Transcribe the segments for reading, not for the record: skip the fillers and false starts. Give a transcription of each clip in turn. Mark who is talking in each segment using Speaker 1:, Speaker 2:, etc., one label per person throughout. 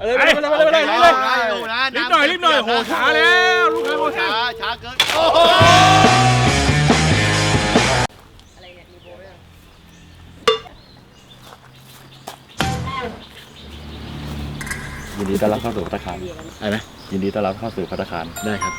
Speaker 1: เลยรีบหน่อยโหช้าแล้วลูกค้าโหช้า
Speaker 2: เกินโอ้โห
Speaker 3: ยินดีต้อนรับเข้าสู่ภัตตาคารได้ไหมยินดีต้อนรับเข้าสู่ภัตตาคารได้ครับ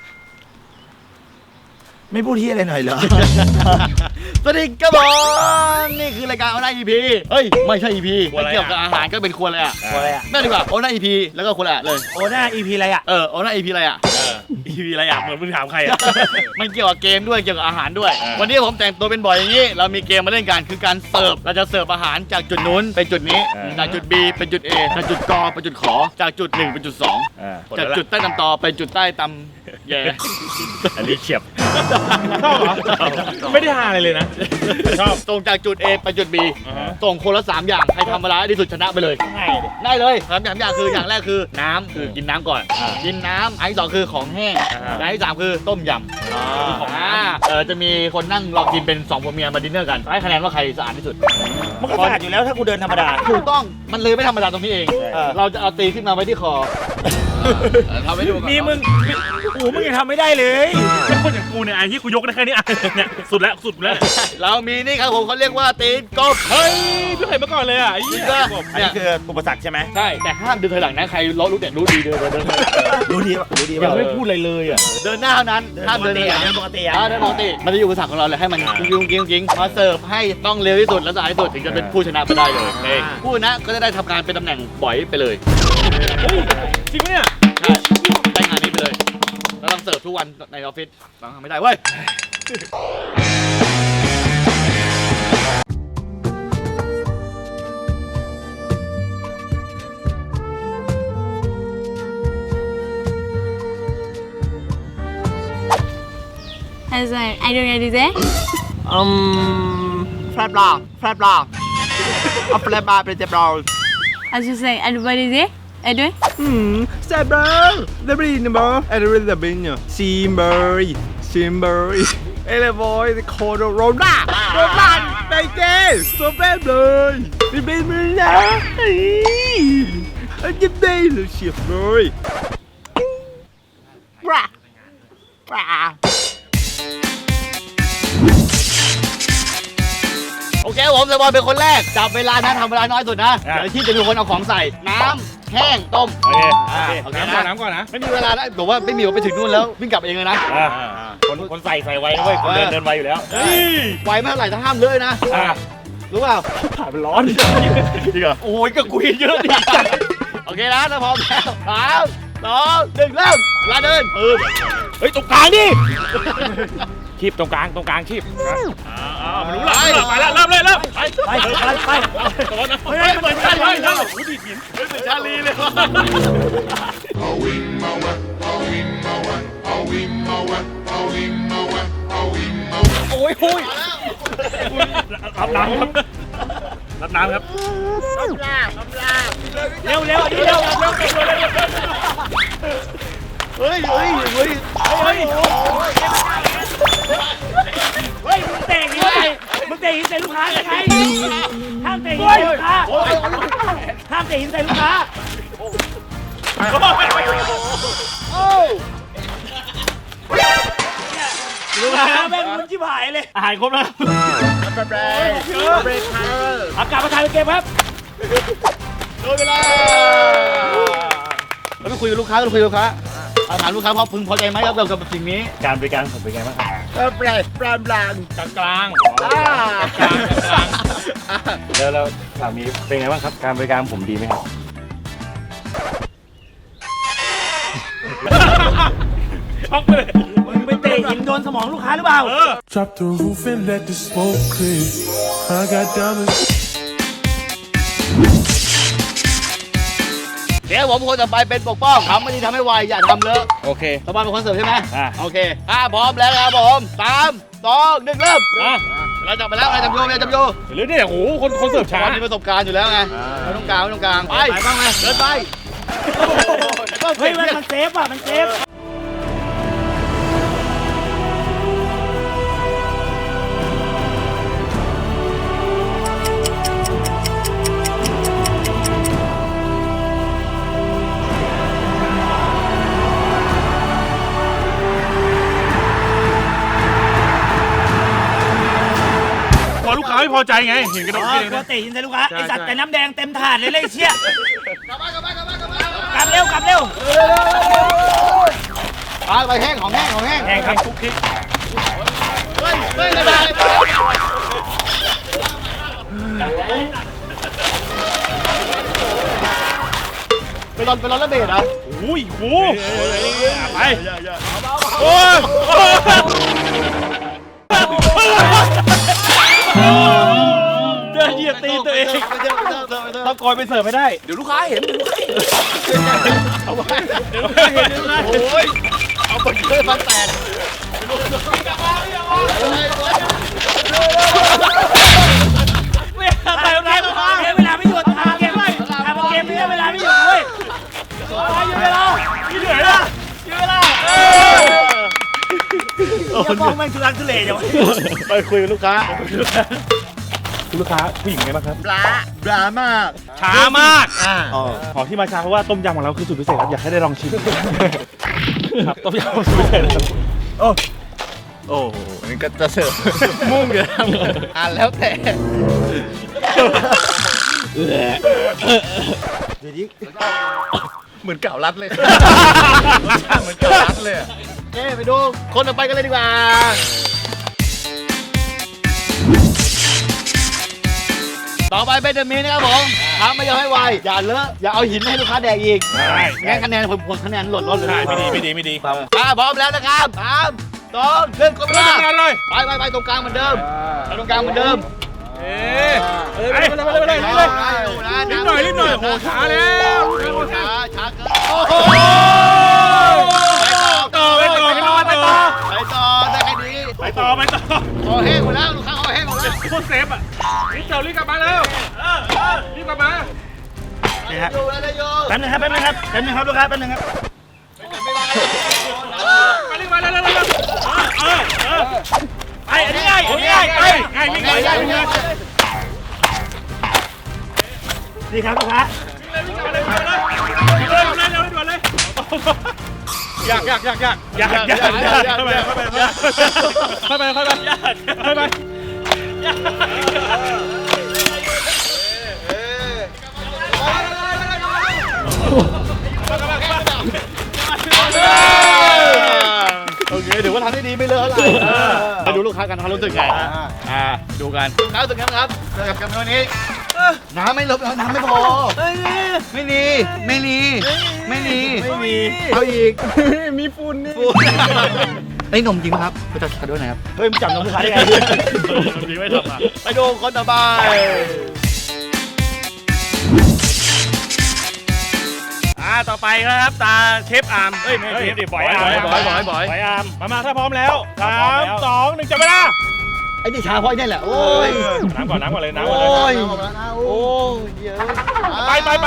Speaker 2: ไม่พูดที่อะไรหน่อยเหรอ สวัสดีครับผมนี่คือรายการโอน่า EP เฮ้ยไม่ใช่ EP ไม่เกี่ยวกับอาหารก็เป็นครัวเลยอ่ะครัวอะไรอ่ะนั่นดีกว่าโอน่า EP แล้วก็ครัวละเลย
Speaker 4: โอน่า EP อะไรอ่ะ
Speaker 2: โอน่า EP อะไรอ่ะ
Speaker 1: EP อะไรอ่ะเหมือนมึงถามใครอ่ะ
Speaker 2: มันเกี่ยวกับเกมด้วยเกี่ยวกับอาหารด้วยวันนี้ผมแต่งตัวเป็นบ่อยอย่างนี้เรามีเกมมาเล่นกันคือการเสิร์ฟเราจะเสิร์ฟอาหารจากจุดนู้นไปจุดนี้จากจุด B เป็นจุด A จากจุดกไปจุดขอจากจุด1เป็นจุด2จากจุดใต้ตำตอไปจุดใต้ตำแย่
Speaker 1: อันนี้เฉียบชอบเหรอไม่ได้หาอะไรเลยนะชอบ
Speaker 2: ส่งจากจุด A ไปจุด B ส่งคนละ3อย่างใครทำเวลาที่สุดชนะไปเลยได้เลย3อย่างคืออย่างแรกคือน้ำคือกินน้ำก่อนกินน้ำอันที่2คือของแห้งอันที่3คือต้มยำของจะมีคนนั่งรอกินเป็น2ผัวเมียมาดินเนอร์กันให้คะแนนว่าใครสะอาดที่สุด
Speaker 4: มันก็สะอาดอยู่แล้วถ้ากูเดินธรรมดา
Speaker 2: ถูกต้องมันเลยไม่ธรรมดาตรงนี้เองเราจะเอาตีขึ้นมาไว้ที่คอทำให้ดู
Speaker 4: นี่มึงยังทำไม่ได้เลย
Speaker 1: แล้วคนอย่างกูเนี่ยไอ้ที่กูยกได้แค่นี้เนี่ยสุดแล้ว
Speaker 2: เรามีนี่ครับผมเขาเรียกว่าตีนกบ
Speaker 1: เฮ้ยไม่เคยมาก่อนเลยอ่ะไอ้
Speaker 4: นี่อันนี้คืออุปสรรคใช่ไหม
Speaker 2: ใช่แต่ห้ามเดินถอยหลังนะใครล้อรู้แต่รู้ดีเดิน
Speaker 4: รู้ดี
Speaker 1: ยังไม่พูดอะไรเลยอ่ะ
Speaker 2: เดินหน้าเท่านั้นห้ามเดิน
Speaker 4: ปกติ
Speaker 2: เดินปกติมันจะอยู่อุปสรรคของเราเลยให้มันกิ้งมาเสิร์ฟให้ต้องเร็วที่สุดและสะอาดที่สุดถึงจะเป็นผู้ชนะไปได้เลยผู้ชนะก็จะได้ทำการเป็นตำแหน่งบ่อยไปเลย
Speaker 1: จริงไหมเนี่ย
Speaker 2: ได้งานนี้ไปเลยเราต้องเสิร์ฟทุกวันในออฟฟิศฟังไม่ได้เว้ย
Speaker 5: I don't know this.
Speaker 2: Flat block. A flat bar เป็นเจ็บเรา
Speaker 5: I just say I don't know this. I do.
Speaker 6: Flat bar. The brain bar. I don't know the brain. Simber. Hey boy, the corner roller. Roller. Baby. So bad boy. The brain man. Anh giúp đây là chef rồi.
Speaker 2: Bra. โอเคผมสบอยเป็นคนแรกจับเวลานะทำเวลาน้อยสุดนะเดี๋ยวที่จะมีคนเอาของใส่น้ำแห้งต้ม
Speaker 1: โอเคน้ำก่อนนะ
Speaker 2: ไม่มีเวลานะบอกว่าไม่มีไปถึงนู่นแล้ววิ่งกลับเองเลยนะ
Speaker 1: คนใส่ไวนะเว้ยคนเดินไวอยู่แล้ว
Speaker 2: ไวไม่เท่าไหร่ถ้าห้ามเลยนะรู้เปล่า
Speaker 1: ผ่านมันร้อน
Speaker 2: จริงเหรอโอ้ยก็กุยเยอะดิโอเคนะถ้าพร้อมแล้ว3 2 1เริ่มเวลาเดิน
Speaker 1: เฮ้ยตรงกลางดิคีบตรงกลางคีบมันรู้ละไปแล้วเริ่มไปเหมือนชาลีเลยเหมือนชาลีเลยโอ้ยรับน้ำครับเร็ว
Speaker 2: เฮ้ย
Speaker 4: มึงเตะหินใส่ลูกค้าได้ไงห้ามเตะหินใส่ลูกค้าลูกค้าแม่งมันชิบหายเลย
Speaker 1: อาหารครบแล้ว
Speaker 4: อากาศมาถ่ายเป็นเกมครับ
Speaker 2: โดนเวลาเราไปคุยกับลูกค้าอาหารลูกค้าพึงพอใจไหมครับกับสิ่งนี้
Speaker 1: การบริการผมเป็นไงบ้าง
Speaker 2: แปลก
Speaker 1: กลางแล้วสามีเป็นไงบ้างครับการบริการผมดีไหมครับช็อกไปเลย
Speaker 4: มึงไปเตะหินโดนสมองลูกค้าหรือเปล่า
Speaker 7: Drop the roof and let the smoke clear I got diamonds
Speaker 2: เดี๋ยวผมคนต่อไปเป็นปกป้องทำไม่ดีทำให้ไวอย่าทำเลอะ
Speaker 1: โอเค
Speaker 2: สบายเป็นคนเสิร์ฟใช่ไหมโอเคพร้อมแล้วครับผม3 2 1เริ่มเราจับไปแล้วจับโย
Speaker 1: หรือเนี่ยโอ้โหคนเสิร์ฟช้า
Speaker 2: มีประสบการณ์อยู่แล้วไงไม่ต้องกลางไปบ้างไหมเดินไป
Speaker 4: เฮ้ยมันเซฟอ่ะมันเซฟ
Speaker 1: พอใจไงเห็นกระโดด
Speaker 4: อ๋อ
Speaker 1: กิน
Speaker 4: กลัว
Speaker 1: นะ
Speaker 4: เตะหินใส่ลูกค้า
Speaker 1: ใช่
Speaker 4: ไอสัตว์
Speaker 1: ใช่
Speaker 4: แต่น้ำแดงเต็มถาดเลยเชี่ย
Speaker 2: กลับบ้าน
Speaker 4: กลับเร็วกลับเร็ว
Speaker 2: ไปแห้งของแห้ง
Speaker 1: แข่งครับคุกคิก
Speaker 2: เฮ้ยไม่ได้ไปรอนระเบิดเหรอ
Speaker 1: อุ้ยโหไปโอ้ยเดินเหยียบตีตัวเองต้องกอยไปเสิร์ฟไม่ได้
Speaker 6: เดี๋ยวลูกค้าเห็น
Speaker 2: โอ้ยเอาไปเลยฟันแตก
Speaker 4: ไปเวลาไม่หยุดทำเกมนี้เวลาไม่หยุดเว้ยหยุดเวลา
Speaker 1: พี่เหนื่อยนะ
Speaker 4: หยุดเวลาจะมองแม่งทุลักทุเลอย่าง
Speaker 2: ไปคุยกับลูกค้า
Speaker 1: คุณลูกค้าผู้หญิงไงบ้างครับ
Speaker 2: ปลามาก
Speaker 1: ช้ามาก
Speaker 4: ขอที่มาช้าเพราะว่าต้มยำของเราคือสูตรพิเศษครับอยากให้ได้ลองชิมครับต้มยำสูตรพิเศษครับ
Speaker 2: โอ้โหนี่ก็จะเสิร์ฟมุ่งอยู่แล้วแต่เหมือนเก่ารัดเลยเหมือนเก่ารัดเลยไปดูคนต่อไปกันเลยดีกว่าต่อไปเป็นเดอะมีนะครับผมทำไม่ยอมให้ไวอย่าเลอะอย่าเอาหินให้ลูกค้าแดกอีกงั้นคะแนนผมคะแนนหล่นเลย
Speaker 1: ไม่ดี
Speaker 2: พร้อมแล้วนะครับ3 2 1กดเวลา
Speaker 1: ทำงานเลย
Speaker 2: ไปตรงกลางเหมือนเดิมไปตรงกลางเหมือนเดิม
Speaker 1: ไปรีบหน่อยโหช้าแล้ว
Speaker 2: ช้าเกิน ได้แค่นี้
Speaker 1: ไปต่อ
Speaker 2: คอแห้งหมดแล้วลูกค้าคอแห้งหมดแล้ว
Speaker 1: โคตรเซฟอ่ะรีบกลับมาแล้วรีบกลับมา
Speaker 4: นี่ฮะ
Speaker 2: อยู่แล้วได้อยู่
Speaker 4: แป๊บนึงครับลูกค้าแป๊บนึงครับ
Speaker 1: มารีบมาเร็วไปอันนี้ง่ายไปวิ่งเลย
Speaker 4: นี่ครับลูกค้า
Speaker 1: อยากเข้าไป
Speaker 2: โอเคถือว่าทำได้ดีไม่เลอะอะไรไปดูลูกค้ากันเขารู้สึกไงดูกันค้ารู้สึกไงครับกับวันนี้น้ำไม่ลบน้ำไม่พอไม่มีเอาอีกมีฝุ่นนี่ไอ้นมจริงไหมครับไปจัดการด้วยนะครับ
Speaker 4: เฮ้ยมึงจับน้องลูกค้าได้ไง
Speaker 1: ไม่ทำอ่ะ
Speaker 2: ไปดูคนต่อไป
Speaker 1: ต่อไปครับตาเชฟอาร์มไม่เชฟดิบอยอาร์มมาถ้าพร้อมแล้ว3 2 1จับเวลา
Speaker 2: ไอ้นี่ชาเพราะไอ้นี่แหละโอ้ย
Speaker 1: น้ำก่อนเลย
Speaker 2: โอ้ยโอ้ยเยอะ
Speaker 1: ไปทำไป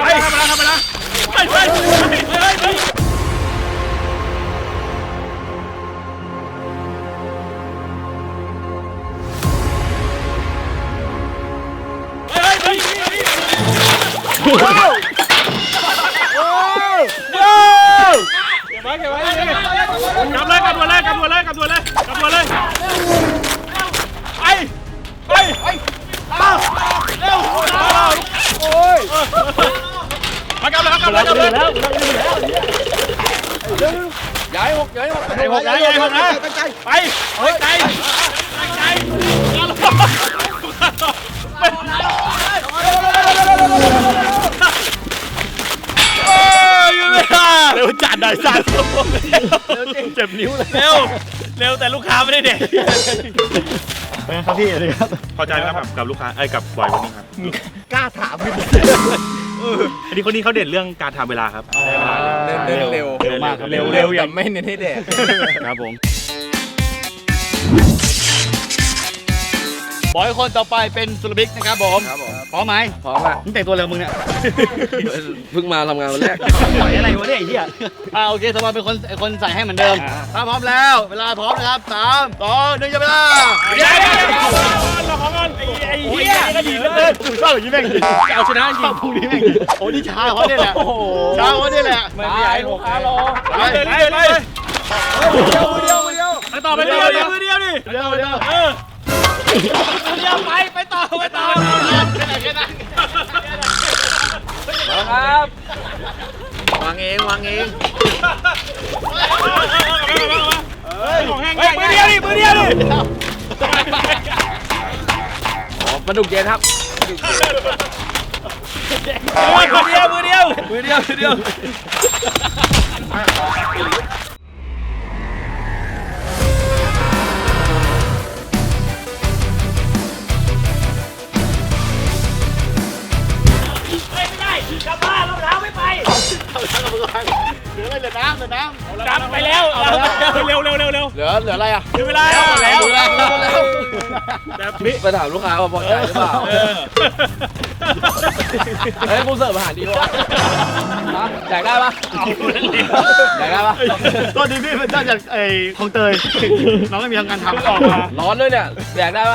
Speaker 1: เก็บไว้กลับตัวเลยไปเร็วโอ้ยมากลับเลยย้ายหกนะไปเฮ้ยใจเร็วจัดหน่อยสั่นเจ็บนิ้วเลยเร็วแต่ลูกค้าไม่ได้เด็ก
Speaker 2: เป็นครับพี่เลยครับ
Speaker 1: พอใจไหมครับกับลูกค้ากับบอยวันนี้ครับ
Speaker 2: กล้าถามพี่
Speaker 1: อันนี้คนนี้เขาเด่นเรื่องการทำเวลาครับ
Speaker 6: เร็ว
Speaker 2: มากครับ
Speaker 6: เร็วแต่ไม่เน้นให้แดก
Speaker 1: ครับผม
Speaker 2: บอยคนต่อไปเป็นสุรบิ๊กนะครับผมพร้อมไหม
Speaker 6: พร้อมอ่ะ
Speaker 2: มึงแต่งตัวเร็วมึงเนี่ย
Speaker 6: เพิ่งมาทำงานวันแรก
Speaker 4: ปล่อยอะไรวะเนี่ยไอ้เหี้ย
Speaker 2: โอเคสมอนเป็นคนใส่ให้เหมือนเดิมถ้าพร้อมแล้วเวลาพร้อมนะครับ3 2 1จับเวลา
Speaker 1: เราของกันไอ้เหี้ยก็ดีเหลือเกิน
Speaker 2: ชอบอย่างนี้แม่งดี
Speaker 1: เอาชนะจริง
Speaker 2: พรุ่งนี้แม่งดีโอ้นี่ช้าเขาเนี่ยแหละช้าเขาเนี่ยแหละ
Speaker 6: ไม่อยากให้ลูกค้ารอ
Speaker 2: ไป
Speaker 1: ไปไปต่อไปเดียวดิ
Speaker 2: เร็ว
Speaker 1: เดี๋ยวไปต่อ
Speaker 6: ครับ วางเอง
Speaker 1: ของแห้งมือเดียวดิ
Speaker 6: ปลาดุกเย็นครับ
Speaker 1: มือเดียว
Speaker 4: ไม่ได้กลับบ้านรองเท้าไม่ไป
Speaker 2: เหลืออะไรเหลือน้ำ
Speaker 1: จับไปแล้วเร็ว
Speaker 6: เหลืออะไรอ่ะ
Speaker 1: ถึงเวลาแล้ว
Speaker 6: ไปถามลูกค้าว่าพอใจหรือเปล่า เฮ้ยกูเสิร์ฟอาหารดีวะแจกได้ปะแจกได้ปะ
Speaker 2: ตอนนี้พี่เป็นเจ้าจากคลองเตยน้องไม่มีทางการทำ
Speaker 1: ออกมา
Speaker 6: ร้อนด้วยเนี่ยแจกได้ปะ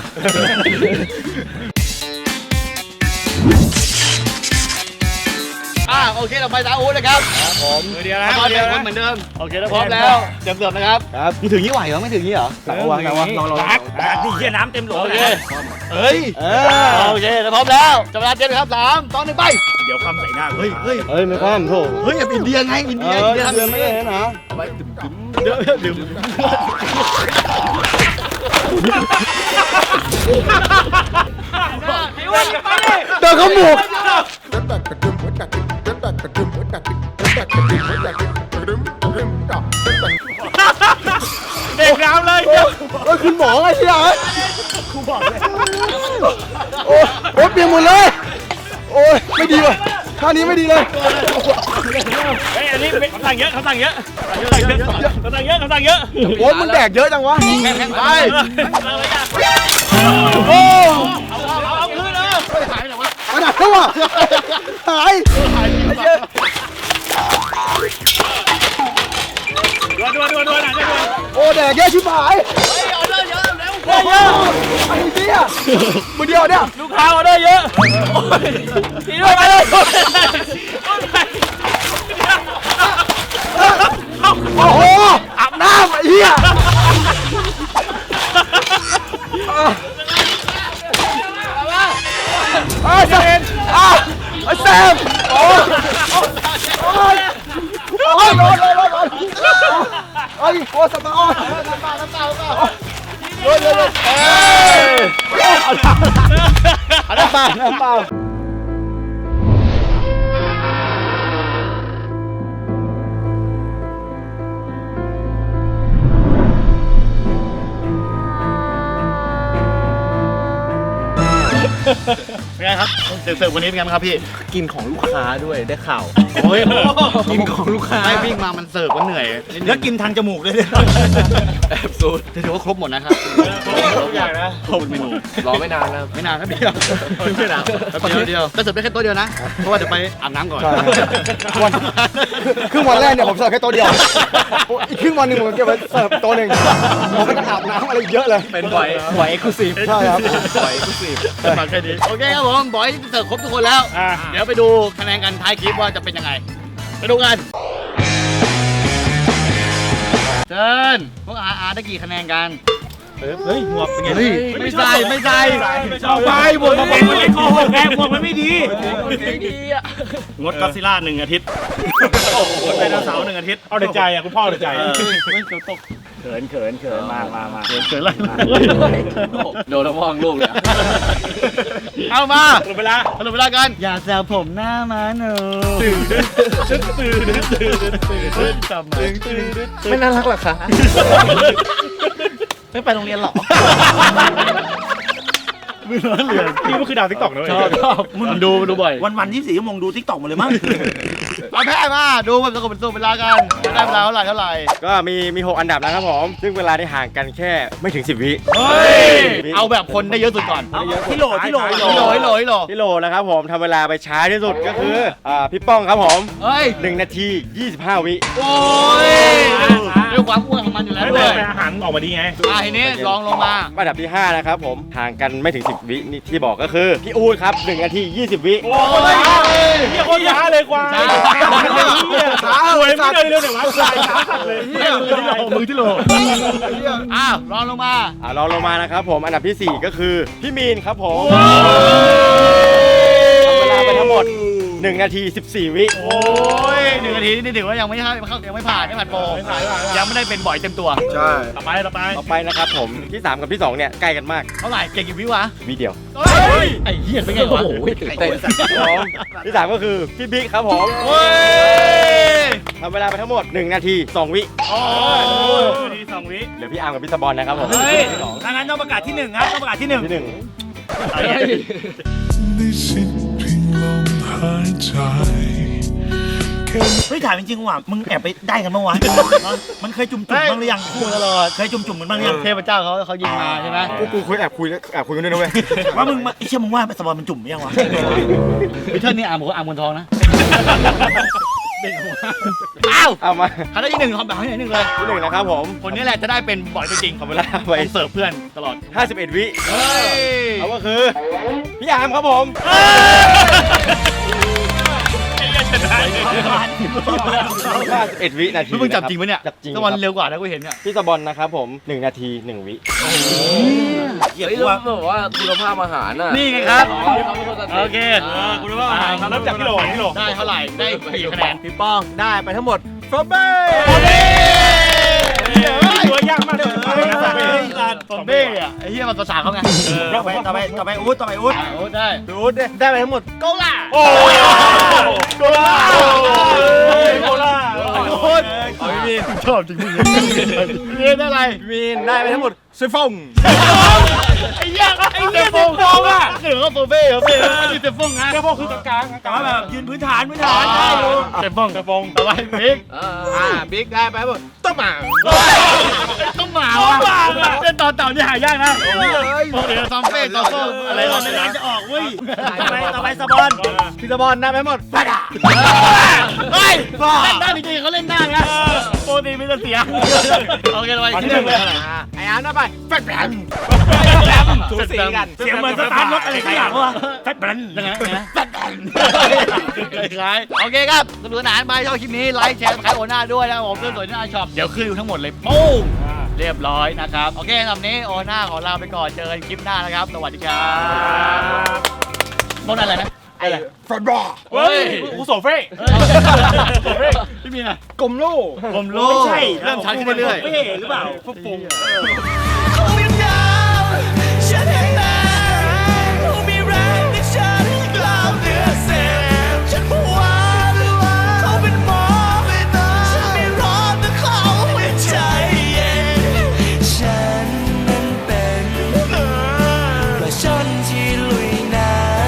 Speaker 2: โอเคเราไปซาอุนะครับ
Speaker 1: มือเดียวนะ
Speaker 2: พร้อมเดิมเหมือนเดิมโอเคพร้อมแล้วเตรียมเสิร์ฟนะครับมึงถึงยี่ไหวเหรอไม่ถึงยี่เหรอวางลอง
Speaker 1: นี่เหี้ยน้ำเต็มโหล
Speaker 2: โอ
Speaker 1: เล
Speaker 2: เค
Speaker 1: ย
Speaker 2: เอ้ยโอเคพร้อมแล้วจับเวลาเตรียมครับ3 2 1ไป
Speaker 1: เดี๋ยวคำใส่หน้า
Speaker 2: เฮ้ย
Speaker 3: ไม่ความโถ
Speaker 2: แบบอินเดียไงอินเดียทำอย่างนี้
Speaker 3: นะ
Speaker 2: ดื่มเดินเข้าหมูก
Speaker 1: เด็กน้ำเลย
Speaker 2: คุณหมอไงเชียร์คุณบอกเลยโอ้เปลี่ยนหมดเลย โอ้ยไม่ดีว่ะท่านี้ไม่ดีเลย
Speaker 1: เฮ้ยอันนี้คำสั่งเยอะคำสั่งเยอะ
Speaker 2: โอ้ยมันแดกเยอะจังวะไปโอ้
Speaker 1: เอาคืนเลย
Speaker 2: มันหนักแล้วว่ะหายไอ้เหี้ย
Speaker 1: ด่วนหน่อย
Speaker 2: โอ้แดกเยอะชิบหายออเดอร์เยอะแล้วเยอะไอ้เหี้ยมือเดียวเนี่ย
Speaker 1: ลูกค้าออเดอร์เยอะทีด้วยไปเลย
Speaker 2: โอ้โหอาบน้ำไอ้เหี้ยไอ้แซมไอ้แซมโอ้ยโอ้ยร้อนไอ้โอ้สตาร์น้ำเปล่าเร็วเอ้ยน้ำเปล่าเป็นไงครับเสิร์ฟวันนี้เป็นไงบ้างครับพี่
Speaker 3: กินของลูกค้าด้วยได้ข่าว
Speaker 2: โอ้ยกินของลูกค้าไม่วิ่งมามันเสิร์ฟก็เหนื่อย
Speaker 1: แล้วกินทางจมูกเลย
Speaker 2: แอบสูตรถือว่าครบหมดนะครับ
Speaker 1: ครบอย่างนะ
Speaker 2: ครบเมนู
Speaker 6: รอไม่นานนะครับ
Speaker 2: ไม่นานครับเดียวไม่นานเดียวก็เสิร์ฟได้แค่โต๊ะเดียวนะเพราะว่าเดี๋ยวไปอาบน้ำก่อน
Speaker 3: ครึ่งวันแรกเนี่ยผมเสิร์ฟแค่โต๊ะเดียวอีกครึ่งวันหนึ่งผมเก็บไว้เสิร์ฟโต๊ะหนึ่งผมไม่ต้องอาบน้ำอะไรเยอะเลย
Speaker 6: เป็นบ่อยเอ็กซ์คลูซีฟ
Speaker 3: ใช่ครับ
Speaker 6: บ่อยเอ็กซ์คลูซีฟ
Speaker 2: มาแค่นี้โอเคครับผมบอยเสิร์ฟครบทุกคนแล้ว เดี๋ยวไปดูคะแนนกันท้ายคลิปว่าจะเป็นยังไงไปดูกันเชิญพวกอาได้กี่คะแนนกัน
Speaker 1: เฮ้ยหมวกเป็นไง
Speaker 2: ไม่ใส่
Speaker 1: เอาไปหมวกมันไม่โกหกแกหมวกมันไม่ดีงดก็ซิล่า1 อาทิตย์งดไดโนเสาร์1 อาทิตย์เอาแต่ใจอ่ะคุณพ่อเอาแต่ใจไม่เกี่ยวตกเขินมาเขินอะไร
Speaker 6: โดนละม่องลูกเลย
Speaker 2: เอามา
Speaker 1: หมดเวลา
Speaker 2: สรุปเวลากันอย่าแซวผมหน้ามาหนู
Speaker 3: ไม่น่ารักหรอคะ
Speaker 2: ไม่ไปโรงเรียนหรอ
Speaker 1: มือร้อนเหลือนี่มันคือดาวติ๊กต็อกนะเว้ย
Speaker 2: ชอบมันดูบ่อย
Speaker 4: วัน24 ชั่วโมงดูทิกตอกหมดเลยมั้ง
Speaker 2: เอาแพ้มาดูมันสรุปเวลากันได้เวลาเท่าไหร่
Speaker 3: ก็มี6อันดับนะครับผม ซึ่งเวลาที่ห่างกันแค่ไม่ถึง10 วิ
Speaker 2: เอาแบบคนได้เยอะสุดก่อน
Speaker 4: ที่โหล
Speaker 2: ฮิโล
Speaker 3: นะครับผมทำเวลาไปช้าที่สุดก็คือพี่ป้องครับผม
Speaker 2: เฮ้ย
Speaker 3: 1 นาที 25 วิ
Speaker 2: โอ้ยด้วยความอ้วนของมันอยู่แล้ว
Speaker 1: ไม่
Speaker 2: ด้
Speaker 1: เป็
Speaker 2: วน ย
Speaker 1: ไรอาหารออกมาดีไง
Speaker 2: ทีนี้ลองลงมา
Speaker 3: อันดับที่ 5 นะครับผมห่างกันไม่ถึง 10 วินี่ที่บอกก็คือพี่อู๊ดครับ1 นาที 20 วิ
Speaker 1: โอ้ยเฮียโคตรช้าเลยกว่า
Speaker 2: ช้า
Speaker 1: ป่วยไม่เดินเร็วเดี๋ยววะสายขาสั่นเลย
Speaker 2: มือที่โหลอ้าวรองลงมา
Speaker 3: รองลงมานะครับผมอันดับที่ 4 ก็คือพี่มีนครับผมทำเวลาไปทั้งหมด1 นาที 14 วิ
Speaker 2: โอ้ย1 นาทีนี่ถือว่ายังไม่ผ่านยังไม่ผ่านโปรยังไม่ได้เป็นบ่อยเต็มตัว
Speaker 6: ใช่
Speaker 1: ต่อไป
Speaker 3: ต่อไปนะครับผมที่ 3 กับที่ 2 เนี่ยใกล้กันมาก
Speaker 2: เท่าไหร่เก่งกี่วิวะ
Speaker 3: วิเดียว
Speaker 2: ไอ้เหี้ยเป็นไงวะ
Speaker 3: เต้นที่ 3 ก็คือพี่บิ๊กครับผม
Speaker 2: โอ้ย
Speaker 3: ทำเวลาไปทั้งหมด1 นาที 2 วิ
Speaker 2: โอ้ย
Speaker 1: ที2 วิ
Speaker 3: เหลือพี่อาร์มกับพี่สบอลนะครับผม
Speaker 1: เฮ้ยถ้างั้นต้องประกาศที่1ครับต้องประกาศที่1
Speaker 3: ที่ 1
Speaker 7: ได้สิ้นเพียงลมหายใจแค่
Speaker 4: เฮ้ยถามจริงๆว่ะมึงแอบไปได้กันเมื่อวานมันเคยจุ่มๆบ้างหรือยัง
Speaker 2: พูดตลอด
Speaker 4: เคยจุ่มๆกันบ้างหรือยัง
Speaker 2: เทพเจ้าเขายิงมาใช่ไหม
Speaker 3: กูคุยแอบคุยกันด้วยนะเว้ย
Speaker 4: ว่ามึงไอ้เชี่ยมึงว่าสบอลมันจุ่มหรือยังวะ
Speaker 2: วิเทิร์นนี่อาร์มบอกว่าอาร์มบนทองนะอ้าว
Speaker 3: เอามา
Speaker 2: เขาได้ที่ 1ทำแบบให้หนึ่งเลย
Speaker 3: ที่ 1 นะครับผม
Speaker 2: คนนี้แหละจะได้เป็นบ่อยตัวจริง
Speaker 3: ทำเวลาไป
Speaker 2: เสิร์ฟเพื่อนตลอด
Speaker 3: 51 วิ
Speaker 2: เฮ้ย
Speaker 3: เอาก็คือพี่อาร์มครับผม 51 วินาที
Speaker 2: เพิ่งจับจริงปะเนี่ย
Speaker 3: จับจริง
Speaker 2: ตะวันเร็วกว่านะกูเห็นเนี่ย
Speaker 3: พี่สบอลนะครับผม1 นาที 1 วิ
Speaker 4: เฮ้ยว่าแบบว่าคุณภาพอาหารน่ะ
Speaker 2: นี่ไงครับโอเค
Speaker 1: คุณรู้ว่าเริ่มจากพี่โหลพี่โหล
Speaker 2: ได้เท่าไหร่ได้กี่คะแนน
Speaker 6: พี่ป้องได้ไปทั้งหมดฟอเบ้
Speaker 1: ตัวยากมากเลย
Speaker 2: ตอนเบ้อะไอ้เหี้ยมันภาษาเขาไง
Speaker 4: ต่อไปอุ๊ดต่อไปอุ๊ด
Speaker 2: โอ้ได้
Speaker 6: ดูดิได้ไปทั้งหมด
Speaker 2: โกล่า
Speaker 1: โอ้โกล่าโกล่า
Speaker 2: โคตรชอบจริงๆเรียนอะไร
Speaker 6: มีนได้ไปทั้งหมดซิฟง
Speaker 2: ไอ้เหี้ยเซฟงอ่ะคือเขาโฟเบ้เขาเป็นไม่ใช่เซฟงนะ
Speaker 1: เจ้าพ่อคือกลาง
Speaker 4: แต่ว่าแบบยืนพื้นฐานได้ดู
Speaker 2: เซฟงเอาไว้บิ๊ก
Speaker 6: บิ๊กได้ไปทั้งหมดต้มหมา
Speaker 2: ต้องหมาวะเล่นตอนเต่านี่หายากนะพวกเดี๋ยวซอมเฟ่ต่อสู้อะไร
Speaker 4: เรา
Speaker 2: เรา
Speaker 4: ไม่
Speaker 2: ไม่
Speaker 4: ได้
Speaker 2: ได้
Speaker 4: จะออกเว้ยต่อไปสบอล
Speaker 6: พี่สบอลได้ไปทั้งหมด
Speaker 2: เฮ้ยเล่นได้จริงๆเขาเล่นได้นะโปรตีไม่จะเสียโอเคไปที่หนึ่งเลย
Speaker 6: ไอ้อาร์มได้ไปแฟดแบมสูสีกัน
Speaker 4: เสียงเหมือนสตาร์ทรถอะไรสักอย่างวะแฟตแบน
Speaker 2: ยังไงแฟดคล้ายโอเคครับสนุกสนานไปชอบคลิปนี้ไลค์แชร์ขายโอน่าด้วยนะครับผมเพื่อนสวยที่น่าช็อปเดี๋ยวขึ้นอยู่ทั้งหมดเลยปุ้งเรียบร้อยนะครับโอเคสำหรับนี้โอน่าขอลาไปก่อนเจอกันคลิปหน้านะครับสวัสดีครับโมนอะไรนะ
Speaker 6: ฟอดบอล
Speaker 1: เฮ้ยกูโซเฟ่
Speaker 2: พี่มีนอะ
Speaker 6: กลมโล่
Speaker 2: ผม
Speaker 4: ไม่ใช่
Speaker 2: เริ่มชัดขึ้นเรื่อย
Speaker 4: ไม่เห็นหรือเปล่า
Speaker 1: ฟุ๊บ